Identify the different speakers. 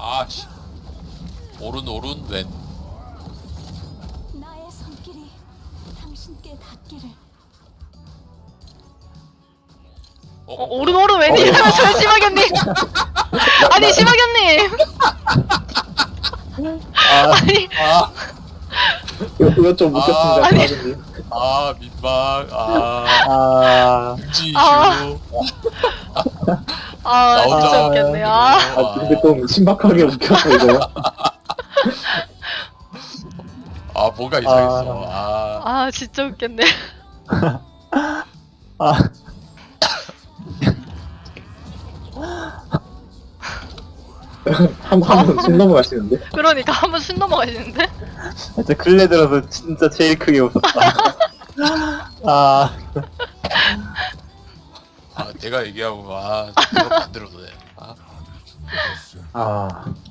Speaker 1: 아씨. 오른 왼.
Speaker 2: 나의 손길이 당신께 닿기를.
Speaker 3: 오른 웬일이라면서요, 심하견님. 아니, 심하견님. 아니,
Speaker 1: 아,
Speaker 4: 이거 좀 웃겼습니다,
Speaker 3: 아니.
Speaker 4: 사장님.
Speaker 1: 민망. 김지슈. 나오자.
Speaker 3: 진짜 웃겼네.
Speaker 4: 근데 좀 신박하게 웃겼어, 이거.
Speaker 1: 뭔가 이상했어.
Speaker 3: 진짜 웃겼네.
Speaker 4: 아, 한번 숨 넘어가시는데?
Speaker 3: 그러니까 한번 숨 넘어가시는데?
Speaker 4: 진짜 근래 들어서 진짜 제일 크게 웃었다.
Speaker 1: 내가 얘기하고, 내가 만들어도 돼.
Speaker 4: 아.